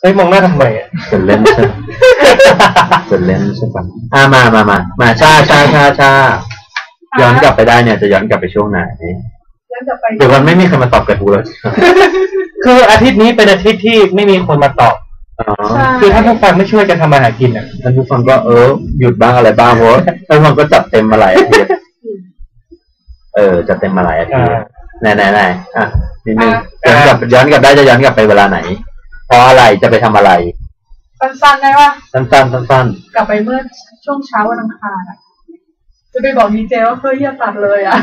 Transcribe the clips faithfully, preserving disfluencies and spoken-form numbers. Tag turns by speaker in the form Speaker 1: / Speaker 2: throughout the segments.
Speaker 1: ฮ้ยมองหน้าทำไมอ่ะ
Speaker 2: จะเล่นใช่จะเล่นใช่ปะอ่ามามามามาชาชาชาชาย้อนกลับไปได้เนี่ยจะย้อนกลับไปช่วงไหน
Speaker 3: ย้อนกลับไป
Speaker 2: เดี๋ยววันไม่มีใครมาตอบกระทู้แล้ว
Speaker 1: คืออาทิตย์นี้เป็นอาทิตย์ที่ไม่มีคนมาตอบคือถ้าผู้ฟังไม่ช่วยกันทำมาหากินอ่ะ
Speaker 2: ท่านผู้ฟังก็เออหยุดบ้างอะไรบ้างเพราะท่านผู้ฟังก็จัดเต็มมาหลายอาทิตย์เออจัดเต็มมาหลายอาทิตย์ไหนไหนไหนอ่ะนิดนึงย้อนกลับย้อนกลับได้จะย้อนกลับไปเวลาไหนเพราะอะไรจะไปทำอะไร
Speaker 3: สั้นๆได้ปะ
Speaker 2: สั้นๆสั้น
Speaker 3: ๆกลับไปเมื่อช่วงเช้าวันอังคารอ่ะจะไปบอกดีเจว่าเพื่อที่จะตัดเลยอ่ะ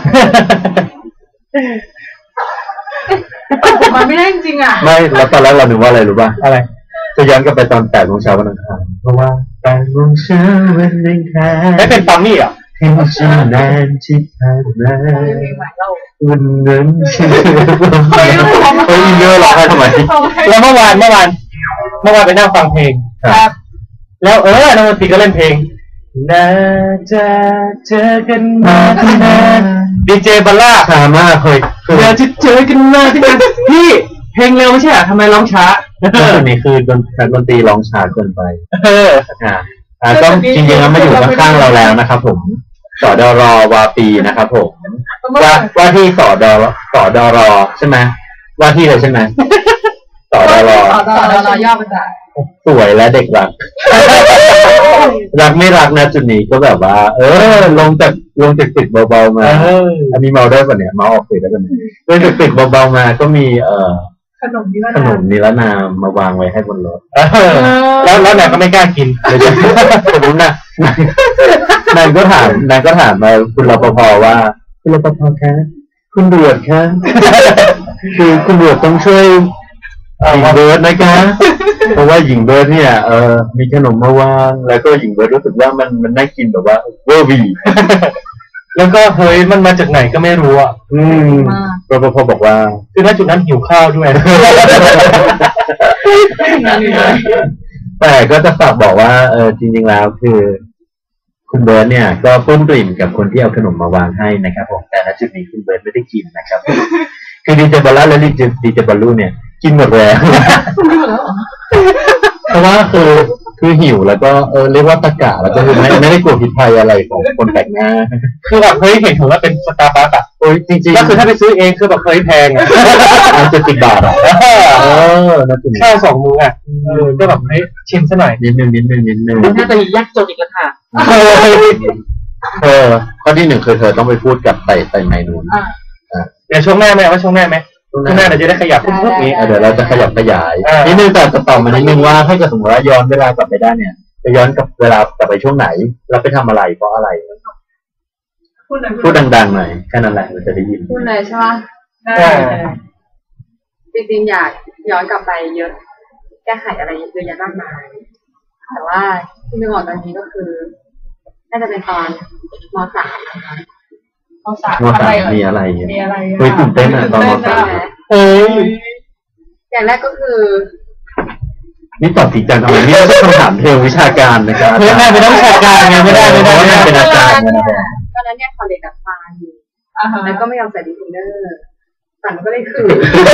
Speaker 3: มันไม่ได้จริงๆอ่ะ
Speaker 2: ไม่แล้วตอนแรกเรานึกว่าอะไรรู้ป่ะ
Speaker 1: อะไร
Speaker 2: จะย้อนกลับไปตอนแปดโมงเช้าวันอังคารเพราะว่าแปดโมงเช้าวันอังคาร
Speaker 1: ไม่เป็นปามี่อ่ะ
Speaker 2: ที่ฉันนานที่ผ่านมาวันนั้นฉันเฮ้ยเฮ้ยเยอะหรอทำไม
Speaker 1: แล้วเมื่อวานเมื่อวานเมื่อวานไปนั่งฟังเพลงครับแล้วเออนักดนตรีก็เล่นเพลงน่าจะเจอกันมาที่นานดีเจบัลล่า
Speaker 2: ช้ามากเคย
Speaker 1: น่าจะเจอกันมาที่นานพี่เพลงเร็วไม่ใช่เหรอทำไมร้องช้า
Speaker 2: ส่วนนี้คือดนดนตรีร้องช้าเกินไปเอออ่าอ่าก็จริงๆแล้วมาอยู่ข้างๆเราแล้วนะครับผมสดรวาปีนะครับผมว่าว่าที่สดรสดรใช่ไหมว่าที่เลยใช่ไหมสดร
Speaker 3: สดรย่อมาจาก
Speaker 2: สวยและเด็กรักรักไม่รักนะจุดนี้ก็แบบว่าเออลงจากลงจากตึกเบาๆมาอันนี้เมาได้ป่ะเนี่ยเมาออกตึกได้ป่ะเนี่ยลงจากตึกเบาๆมาก็มีเอ่อ
Speaker 3: ขนมนิร
Speaker 2: นามขนมนิรนามมาวางไว้ให้บนรถ
Speaker 1: แล้วแล้วนายก็ไม่กล้ากิน
Speaker 2: เลยจะสมมตินะนายก็ถามนายก็ถามมาคุณรปภว่าคุณรปภคะคุณตำรวจคะคือคุณตำรวจต้องช่วยหญิงเบิร์ดนะคะเพราะว่าหญิงเบิร์ดเนี่ยเออมีขนมมาวางแล้วก็หญิงเบิร์ดรู้สึกว่ามันมันน่ากินแบบว่าเวอร์วี
Speaker 1: แล้วก็เฮ้ยมันมาจากไหนก็ไม่รู้อ่ะ
Speaker 2: อืมรปภบอกว่า
Speaker 1: คือณจุดนั้นหิวข้าวด้วย
Speaker 2: แต่ก็จะฝากบอกว่าเออจริงๆแล้วคือคุณเบิร์ดเนี่ยก็ปลื้มปริ่มกับคนที่เอาขนมมาวางให้นะครับผมแต่ณจุดนี้คุณเบิร์ดไม่ได้กินนะครับคือดีเจบอลล่าและดีเจดีเจบอลลูเนี่ยกินหมดแล้วเพราะว่าคือคือหิวแล้วก็เออเรียกว่าตะกะแล้วก็คือไม่ไม่ได้กลัวผิดภัยอะไรของคนแปลกหน้า
Speaker 1: คือแบบเฮ้ยเห็นถือว่าเป็นสตาร์บัคอะ
Speaker 2: โอ้ยจริงๆ
Speaker 1: ก็คือถ้าไปซื้อเองคือแบบเคยแพงอะ
Speaker 2: มันจะสิบบาทอะเออ
Speaker 1: แค่สองมื้ออะก็แบบเฮ้ยชิมซะหน่อย
Speaker 2: นิดนึงนิดนึงนิดนึง
Speaker 3: น่าจะยากจนอีกแล้วค่ะ
Speaker 2: เออข้อที่หนึ่งคือเธอต้องไปพูดกับไต่ไต่ไมนูน
Speaker 1: เดี๋ยวช่วงหน้าไหมว่าช่วงหน้าไหมช่วงหน้าเราจะได้ขยับพวกนี้
Speaker 2: เดี๋ยวเราจะขยับขยายนิดนึงแต่จะตอบมานิดนึงว่าถ้าเกิดสมมติว่าย้อนเวลากลับไปได้เนี่ยจะย้อนกับเวลากลับไปช่วงไหนเราไปทำอะไรเพราะอะไรพูดดังๆหน่อยแค่นั้นแหละเราจะได้ยิน
Speaker 3: พูดเลยใช่ไหมได้จริงๆอยากย้อนกลับไปเยอะแก้ไขอะไรเยอะแยะมากมายแต่ว่าที่นึกออกตอนนี้ก็คือน่าจะเป็นตอนม.สามนะคะม.สาม
Speaker 2: อะไรมีอะไร
Speaker 3: มีอะไร
Speaker 2: เฮ้ยตื่นเต้นอ่ะตอนม.สาม
Speaker 3: เฮ้ยอย่างแรกก็คือ
Speaker 2: นี่ตอบผิดจังทำไมนี่ไม่ใช่คำถามเทววิชาการนะครับ
Speaker 1: ไม่ได้ไม่ต้องวิชาการไงไม่ได้ไม่ได้
Speaker 2: ไม่ได้เป็นอาจารย์
Speaker 3: ตอนนั้นเนี่ยคอลเลจกับฟานอยู่แล้วก็ไม่ยอมใส่ดีฟินเนอร์สั่นก็เลยคือ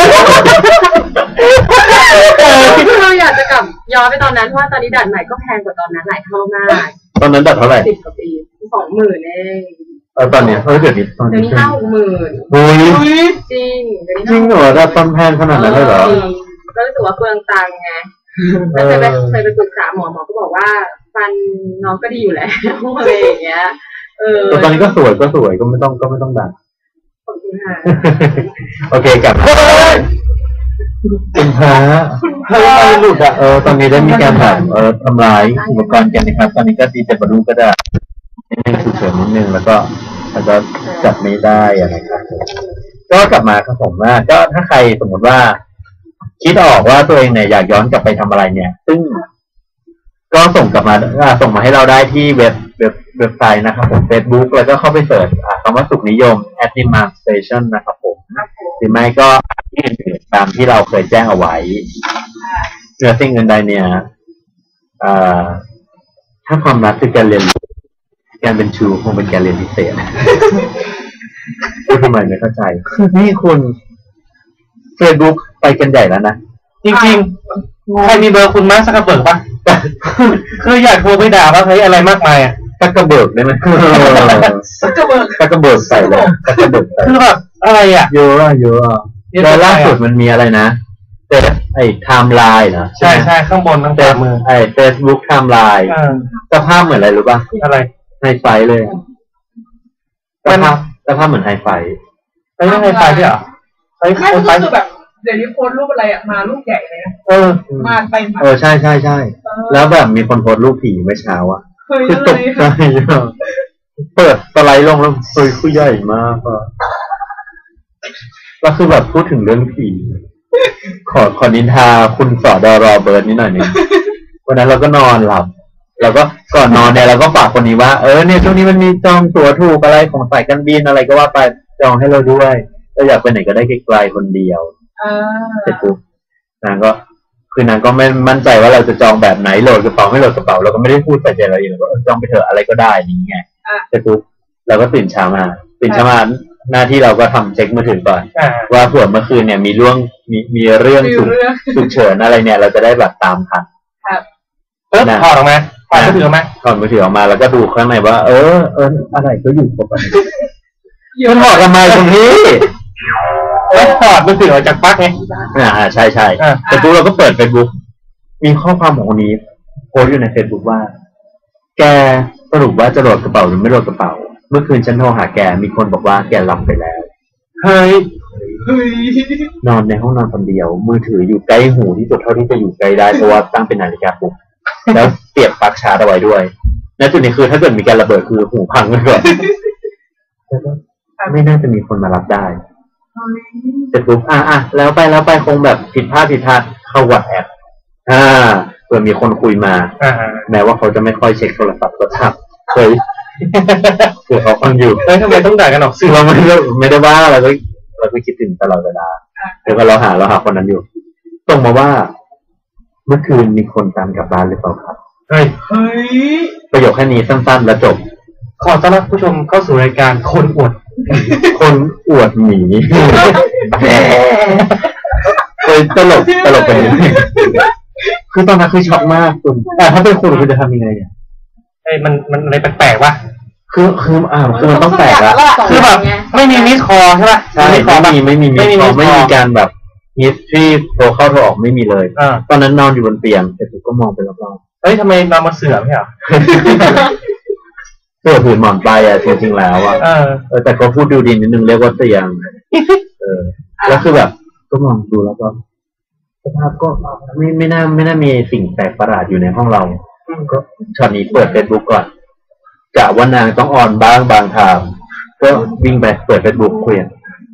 Speaker 3: เราอยากจะกลับย้อนไปตอนนั้นเพราะว่าตอนนี้ดัดใหม่ก็แพงกว่าตอนนั้นหลายเท่ามาก
Speaker 2: ตอนนั้นดัดเท่าไหร่
Speaker 3: สิบกว่าปีสองหมื่นเอง
Speaker 2: เออตอนเนี้ยเออเดี๋ยวนี้
Speaker 3: ตอนนี้ห้าหกหมื่น
Speaker 2: โอ้ย
Speaker 3: จริง
Speaker 2: จริงเหรอดัดตอนแพงขนาดนั้นเลยเหรอ
Speaker 3: ก็รู้สึกว่าเปลืองตังค์ไงแล้วเคยไปเคยไปปรึกษาหมอหมอก็บอกว่าฟันน้องก็ดีอยู่แล้วอะไรอย่างเงี้ยเออ
Speaker 2: ตอนนี้ก็สวยก็สวยก็ไม่ต้องก็ไม่ต้องดัด
Speaker 3: ขอบคุณค่ะ
Speaker 2: โอเคกลับคุณพระเฮ้ยหลุดอ่ะเออตอนนี้ได้มีการแบบเออทำลายอุปกรณ์กันนะครับตอนนี้ก็ดีเจบรรลุก็ได้นิดนึงฉุกเฉินนิดนึงแล้วก็แล้วก็จับไม่ได้นะครับก็กลับมาครับผมว่าก็ถ้าใครสมมติว่าคิดออกว่าตัวเองเนี่ยอยากย้อนกลับไปทำอะไรเนี่ยซึ่งก็ส่งกลับมาส่งมาให้เราได้ที่เว็บเว็บเว็บไซต์นะครับผม Facebook แล้วก็เข้าไปเสิร์ชคำว่าสุขนิยม Admin Station นะครับผมหรือไม่ก็ที่อื่นๆตามที่เราเคยแจ้งเอาไว้เนื้อสิ่งเงินใดเนี่ยถ้าความรักคือการเรียนการเป็นชูคงเป็นการเรียนพิเศษทำไมไม่เข้าใจนี่คุณ Facebook ไปกันใหญ่แล้วนะ
Speaker 1: จริงใครมีเบอร์คุณมาร์คซักเคอร์เบิร์กปะคืออยากโทรไปด่าว่าเฮ้ยอะไรมากมายอ่ะ
Speaker 2: ซักกระเบิกได้ไหม
Speaker 4: ซักกระเบิก
Speaker 2: ซักกระเบิกใส่เลยซักกระเบิก
Speaker 1: คือแบบอะไรอ่ะ
Speaker 2: เยอะอะเยอะอะแล้วล่าสุดมันมีอะไรนะแต่ไอ้ไทม์ไลน์นะ
Speaker 1: ใช่ใช่ข้างบนข้างขวามือ
Speaker 2: ไอ้เฟซบุ๊กไทม์ไลน์สภาพเหมือนอะไรรู้ป่ะ
Speaker 1: อะไร
Speaker 2: ไฮไฟเลยสภาพสภาพเหมือนไฮไฟ
Speaker 1: ไอ้เรื่องไฮไฟด้วยเหรอ
Speaker 4: ไฮไฟคือแบบเดี๋ยวนี้โพสรูปอะไรอ่ะมารูปใหญ่เลย
Speaker 2: เออ
Speaker 4: มาไปมา
Speaker 2: เออใช่ใช่ใช่แล้วแบบมีคนโพสรูปผีเมื่อเช้าอ่ะคือตกใจเปิดสไลด์ลงแล้วเฮ้ยคือใหญ่มากอ่ะแล้วคือแบบพูดถึงเรื่องผีขอขอนินทาคุณสอดอรอเบิร์ดนิดหน่อยนึงวันนั้นเราก็นอนหลับเราก็ก่อนนอนเนี่ยเราก็ฝากคนนี้ว่าเออเนี่ยช่วงนี้มันมีจองตั๋วถูกอะไรของสายการบินอะไรก็ว่าไปจองให้เราด้วยเราอยากไปไหนก็ได้ไกลๆคนเดียวเสร็จปุ๊บนางก็คือนางก็ไม่มั่นใจว่าเราจะจองแบบไหนโหลดกระเป๋าไม่โหลดกระเป๋าเราก็ไม่ได้พูดใส่ใจเราเองเราก็จองไปเถอะอะไรก็ได้นี่ไงเสร็จปุ๊บเราก็ตื่นเช้ามาตื่นเช้ามาหน้าที่เราก็ทำเช็คมือถือก่อนว่าเผื่อเมื่อคืนเนี่ยมีเรื่องมีมีเรื่องฉุกเฉินอะไรเนี่ยเราจะได้แบบตามทัน
Speaker 1: เออถอดออกมาถอดมือถือออกมา
Speaker 2: ถอดมือถือออกมาแล้วก็ดูข้างในว่าเออเอออะไรก็อยู่ครบอันมันถอดทำไมตรงนี้
Speaker 1: แล้วถอดมือถือออกจากปลั๊กไง
Speaker 2: อ่าใช่ใช่แต่ปุ๊บเราก็เปิด Facebook มีข้อความของคนนี้โพสต์อยู่ใน Facebook ว่าแกสรุปว่าจะโหลดกระเป๋าหรือไม่โหลดกระเป๋าเมื่อคืนฉันโทรหาแกมีคนบอกว่าแกหลับไปแล้ว
Speaker 1: เฮ้ย
Speaker 2: นอนในห้องนอนคนเดียวมือถืออยู่ใกล้หูที่สุดเท่าที่จะอยู่ใกล้ได้เพราะว่าตั้งเป็นนาฬิกาปลุกแล้วเสียบปลั๊กชาร์จเอาไว้ด้วยณจุดนี้คือถ้าเกิดมีการระเบิดคือหูพังไปก่อนแล้วก็ไม่น่าจะมีคนมารับได้เสร็จปุ๊บอ่ะอ่ะแล้วไปแล้วไปคงแบบผิดพลาดผิดพลาดเข้าวัดแอปอ่าเผื่อมีคนคุยมาแม้ว่าเขาจะไม่ค่อยเช็คโทรศัพท์ก็ทำเคยคือเขาฟังอยู่
Speaker 1: เฮ้ยทำไมต้องด่ากันออก
Speaker 2: สื่อเราไม่ได้ไม่ได้ว่าเราก็เราก็คิดถึงตลอดเวลาเดี๋ยวก็เราหาเราหาคนนั้นอยู่ส่งมาว่าเมื่อคืนมีคนตามกลับบ้านหรือเปล่าครับ
Speaker 1: เฮ้ยเฮ้ย
Speaker 2: ประโยคแค่นี้สั้นๆแล้วจบ
Speaker 1: ขอต้อนรับผู้ชมเข้าสู่รายการคนอวด
Speaker 2: คนอวดหมีเคยตลกตลกไปนิดนึงคือตอนนั้นคือช็อกมากคุณแต่ถ้าเป็นคุณคุณจะทำยังไงเนี่ย
Speaker 1: เอ้ยมันมันอะไรแปลกๆวะ
Speaker 2: คือคืออ่าคือมันต้องแปลกละ
Speaker 1: คือแบบไม่มีมิสคอใช่ป่ะ
Speaker 2: ใช่ไม่มีไม่มีมิสคอไม่มีการแบบมิสที่โทรเข้าโทรออกไม่มีเลยตอนนั้นนอนอยู่บนเตียงแต่ผมก็มองไปรอบ
Speaker 1: ๆเฮ้ยทำไมนอนมาเสื่อมไม่เหรอ
Speaker 2: เสื้อผืนหมอนไปอ่ะจริงๆแล้วอ่ะเออแต่ก็พูดดูดีนิดนึงเรียกว่าเตียงเออแล้วคือแบบก็มองดูแล้วก็สภาพก็ไม่ไม่น่าไม่น่ามีสิ่งแปลกประหลาดอยู่ในห้องเราก็ช็อตนี้เปิด Facebook ก่อนกะว่านางต้องออนบ้างบางทางก็วิ่งไปเปิด Facebook คุยกัน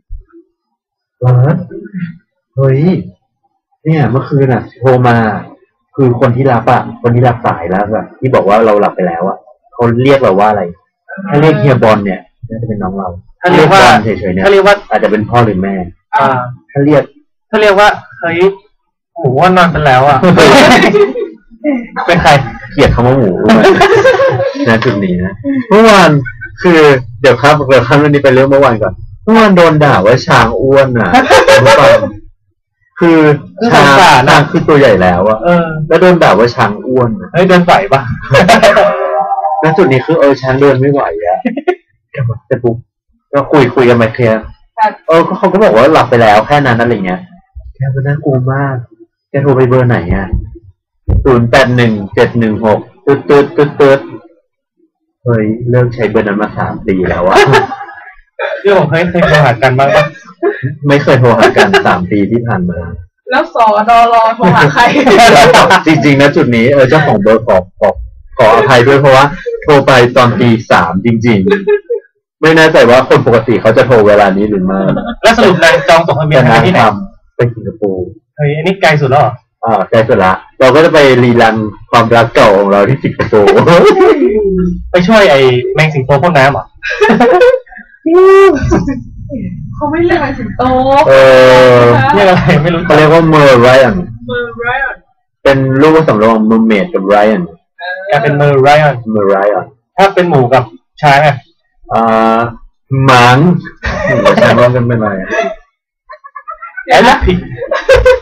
Speaker 2: เฮ้ยเนี่ยเมื่อคืนอ่ะโทรมาคือคนที่รับอ่ะคนที่รับสายแล้วแบบที่บอกว่าเราหลับไปแล้วอ่ะเขาเรียกเราว่าอะไรถ้าเรียกเฮียบอลเนี่ยน่าจะเป็นน้องเรา
Speaker 1: ถ้าเรียกว่า
Speaker 2: เฉยๆเนี่ย
Speaker 1: ถ้าเรียกว่า
Speaker 2: อาจจะเป็นพ่อหรือแม่
Speaker 1: อ่า
Speaker 2: ถ้าเรียก
Speaker 1: ถ้าเรียกว่าเฮ้ยหมูว่านอนไปแล้วอ่ะเป็นใคร
Speaker 2: เกลียดคำว่าหมูนะจุดนี้นะเมื่อวานคือเดี๋ยวครับเดี๋ยวข้ามเรื่องนี้ไปเรื่องเมื่อวานก่อนเมื่อวานโดนด่าว่าช้างอ้วนอ่ะคือช้างช้างคือตัวใหญ่แล้วอ่ะแล้วโดนด่าว่าช้างอ้วน
Speaker 1: เฮ้ยเดินไหวปะ
Speaker 2: ณจุดนี้คือเออช้างเดินไม่ไหวอ่ะแต่ปุ๊บก็คุยคุยกันมาเคลียร์เออเขาก็บอกว่าหลับไปแล้วแค่นั้นอะไรเงี้ยแกมันน่ากลัวมากแกโทรไปเบอร์ไหนอ่ะศูนย์แปดหนึ่งเจ็ดหนึ่งหกตืดตืดตืดตืดเฮ้ยเลิกใช้เบอร์นั้นมาสามปีแล้วอะ
Speaker 1: พี่ผมเคยเคยโทรหากันบ้างปะ
Speaker 2: ไม่เคยโทรหากันสามปีที่ผ่านมา
Speaker 4: แล้วสอดอรอโทรหาใคร
Speaker 2: จริงๆนะจุดนี้เออเจ้าของเบอร์ขอขอขออภัยด้วยเพราะว่าโทรไปตอนตีสามจริงๆไม่แน่ใจว่าคนปกติเขาจะโทรเวลานี้หรือไม่
Speaker 1: แล้วสรุปนายจองตั๋วเครื่องบินที่ไหน
Speaker 2: ไปสิงคโปร์
Speaker 1: เฮ้ยอันนี้ไกลสุดแล้วเหรอ
Speaker 2: อ่าใกล้สุดละเราก็จะไปรีรันความรักเก่าของเราที่สิงคโปร์
Speaker 1: ไปช่วยไอ้แมงสิงโตพ่นน้ำเหรอ
Speaker 4: เขาไม่เรียกแมงสิงโต
Speaker 2: เออ
Speaker 1: เรียกอะไรไม่รู้
Speaker 2: เขาเรียกว่าเมอร์ไรอัน
Speaker 4: เมอร์ไรอัน
Speaker 2: เป็นลูกผสมระหว่างเมอร์เมดกับไรอัน
Speaker 1: แกเป็นเมอร์ไรอัน
Speaker 2: เมอร์ไรอัน
Speaker 1: ถ้าเป็นหมูกับช้างอ่ะ
Speaker 2: อ่าหมังหมูช้างร่วมกันเป็นอะไร
Speaker 1: แอบผิด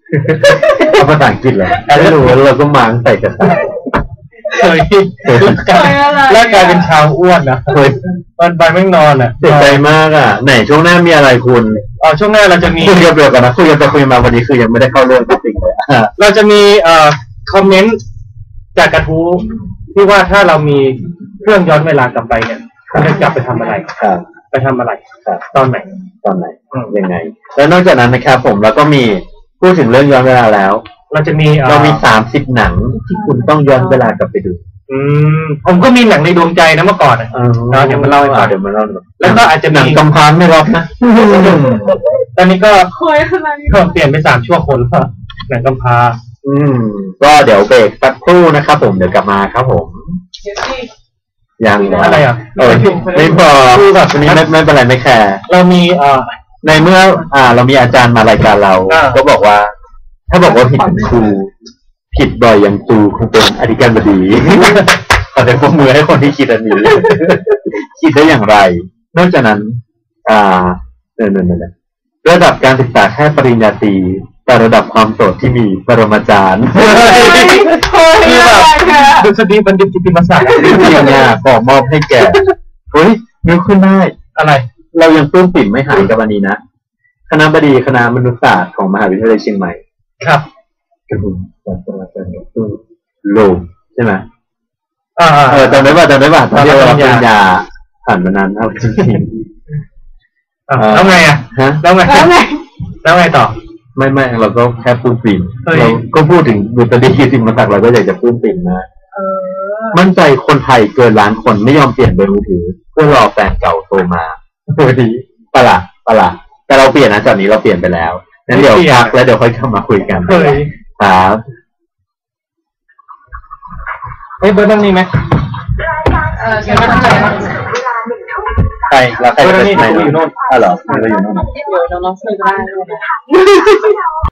Speaker 2: เอาภาษาอังกฤษเลยไม่รู้เราก็มังใส่กระต่าย
Speaker 1: เคยแล้วกลายเป็นชาวอ้วนนะ
Speaker 2: เฮ้ย
Speaker 1: วันไปไม่นอนอ่ะ
Speaker 2: เสียใจมากอ่ะไหนช่วงหน้ามีอะไรคุณ
Speaker 1: อ๋อช่วงหน้าเราจะมี
Speaker 2: คุยกันเดียวกันนะคุยกันไปคุยมาวันนี้คือยังไม่ได้เข้าเรื่องจริงเลยอ่ะ
Speaker 1: เราจะมีเอ่อคอมเมนต์จากกระทู้ที่ว่าถ้าเรามีเครื่องย้อนเวลากลับไปเนี่ยเราจะกลับไปทำอะไร
Speaker 2: ครับ
Speaker 1: ไปทำอะไร
Speaker 2: ครับ
Speaker 1: ตอนไหน
Speaker 2: ตอนไหนยังไง แล้วนอกจากนั้นนะครับผมแล้วก็มีพูดถึงเรื่องย้อนเวลาแล้ว
Speaker 1: เราจะมีอ่อ
Speaker 2: เรามีสามสิบหนังที่คุณต้องย้อนเวลากลับไปดู
Speaker 1: อืมผมก็มีหนังในดวงใจนะเมื่อก่อนอ่ะ เดี๋ยวมาเล่าให้ฟัง
Speaker 2: เดี๋ยวมาเล่า
Speaker 1: แล้วก็อาจจะ
Speaker 2: หนั
Speaker 1: มี
Speaker 2: งกำพร้าไม่รับนะ
Speaker 1: ตอนนี้ก็
Speaker 4: คอยอะไร
Speaker 1: ก็เปลี่ยนไปสามชั่วคนแล้วหนังกำพร้า
Speaker 2: อืมก็เดี๋ยวเบรกสักครู่นะครับผมเดี๋ยวกลับมาครับผม
Speaker 4: เดี๋ยวสิ
Speaker 2: ยัง
Speaker 1: อะไรอ่ะ
Speaker 2: เออไม่พอวันนี้ไม่ไม่เป็นไรไม่แคร์
Speaker 1: เรามีเอ่อ
Speaker 2: ในเมื่อ อ่า เรามีอาจารย์มารายการเรา
Speaker 1: อ่า
Speaker 2: ก็บอกว่า ถ้าบอกว่าผิดเป็นครูผิดบ่อยอย่างตูคงเป็นอธิการบดี ขอแต่ปรบมือให้คนที่คิดอันนี้ คิดได้อย่างไร นอกจากนั้น อ่าเนเนเนระดับการศึกษาแค่ปริญญาตรีแต่ระดับความโสดที่มีปรมาจารย์
Speaker 4: คอย
Speaker 1: คือ
Speaker 4: อะ
Speaker 1: แบ
Speaker 4: ไร
Speaker 1: บ
Speaker 4: คะ
Speaker 1: ดุษฎีบัณฑิตกิตติมศักดิ์
Speaker 2: จริงๆเนี่ยขอมอบให้แกเฮ้ยนึกขึ้นได้
Speaker 1: อะไร
Speaker 2: เรายังปลื้มปิ่มไม่หายกับอันนี้นะคณะบดีคณะมนุษยศาสตร์ของมหาวิทยาลัยเชียงใหม่
Speaker 1: ครับ
Speaker 2: กระหุ่นศาสตราจารย์ดรโลมใช่ไหม
Speaker 1: อ่า
Speaker 2: เออจำได้ป่ะจำได้ป่ะตอนที่เรา
Speaker 1: ต
Speaker 2: ป
Speaker 1: อนรับปริ
Speaker 2: ริญ
Speaker 1: ญญา
Speaker 2: ญาผ่านมานานเอาจริง
Speaker 1: อ่าแล้วไงอ่ะ
Speaker 2: ๆฮะ
Speaker 1: แล้วไง
Speaker 4: แล้วไง
Speaker 1: แล้วไงต่อ
Speaker 2: ไม่ไม่เราก็แค่ปลื้มปิ่ม
Speaker 1: เฮ้ย
Speaker 2: เราก็พูดถึงบุตรดีกิตติมศักดิ์เราก็อยากจะปลื้มปิ่มนะ
Speaker 4: เออ
Speaker 2: มั่นใจคนไทยเกินล้านคนไม่ยอมเปลี่ยนเบอร์มือถือ เพื่อรอแฟนเก่าโทรมาเฮ้ยปะล่ะปะล่ะแต่เราเปลี่ยนนะจากนี้เราเปลี่ยนไปแล้วงั้นเดี๋ยวพักแล้วเดี๋ยวค่อยเข้ามาคุยกัน
Speaker 1: เฮ้ย
Speaker 2: ครับ
Speaker 1: เฮ้ยเบอร์นั่นมีไหม
Speaker 4: เออเดี๋ยวมันจะ
Speaker 2: ใครแล้วใครจะ
Speaker 1: เบอร์
Speaker 2: ไป
Speaker 1: นี่
Speaker 2: ไหน
Speaker 1: อยู่โน่น
Speaker 2: อ๋อเหรอไม่ได้อยู่โน่น
Speaker 4: เดี๋ยวน้องๆช่วยได้ด้วยนะ